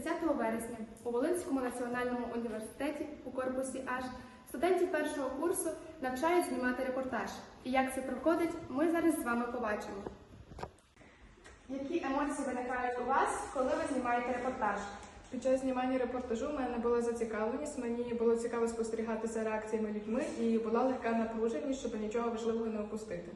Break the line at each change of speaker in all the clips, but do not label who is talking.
30 вересня у Волинському національному університеті у корпусі H студентів першого курсу навчають знімати репортаж. І як це проходить, ми зараз з вами побачимо. Які емоції виникають у вас, коли ви знімаєте репортаж?
Під час знімання репортажу в мене була зацікавленість, мені було цікаво спостерігати за реакціями людьми і була легка напруженість, щоб нічого важливого не упустити.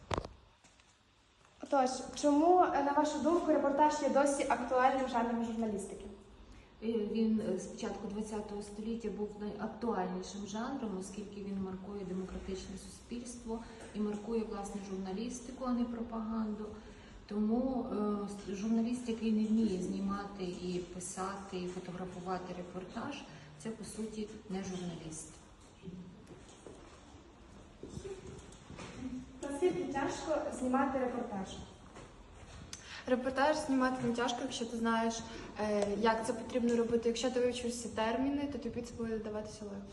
Отож, чому, на вашу думку, репортаж є досі актуальним жанром журналістики?
Він з початку ХХ століття був найактуальнішим жанром, оскільки він маркує демократичне суспільство і маркує, власне, журналістику, а не пропаганду. Тому журналіст, який не вміє знімати і писати, і фотографувати репортаж, це, по суті, не журналіст.
Наскільки тяжко знімати репортаж?
Репортаж знімати не тяжко, якщо ти знаєш, як це потрібно робити. Якщо ти вивчив всі терміни, то тобі це буде даватися легко.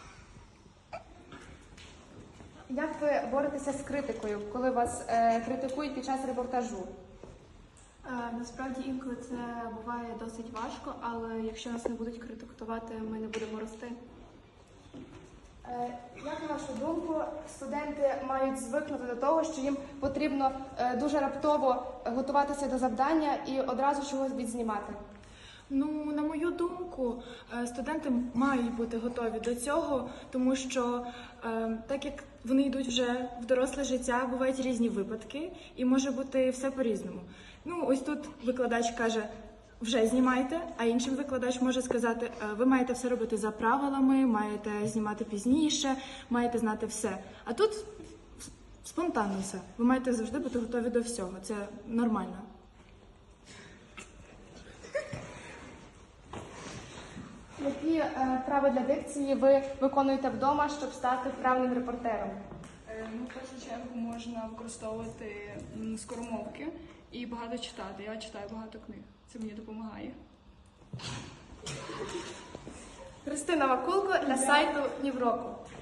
Як ви боретеся з критикою, коли вас критикують під час репортажу?
Насправді інколи це буває досить важко, але якщо нас не будуть критикувати, ми не будемо рости.
Як на вашу думку, студенти мають звикнути до того, що їм потрібно дуже раптово готуватися до завдання і одразу чогось відзнімати?
Ну, на мою думку, студенти мають бути готові до цього, тому що так як вони йдуть вже в доросле життя, бувають різні випадки і може бути все по-різному. Ну, ось тут викладач каже, вже знімайте, а іншим викладач може сказати, ви маєте все робити за правилами, маєте знімати пізніше, маєте знати все. А тут спонтанно все. Ви маєте завжди бути готові до всього. Це нормально.
Які правила дикції ви виконуєте вдома, щоб стати вправним репортером?
Ну, в першу чергу можна використовувати скоромовки і багато читати. Я читаю багато книг. Це мені допомагає.
Христина Вакулко для сайту Нівроку.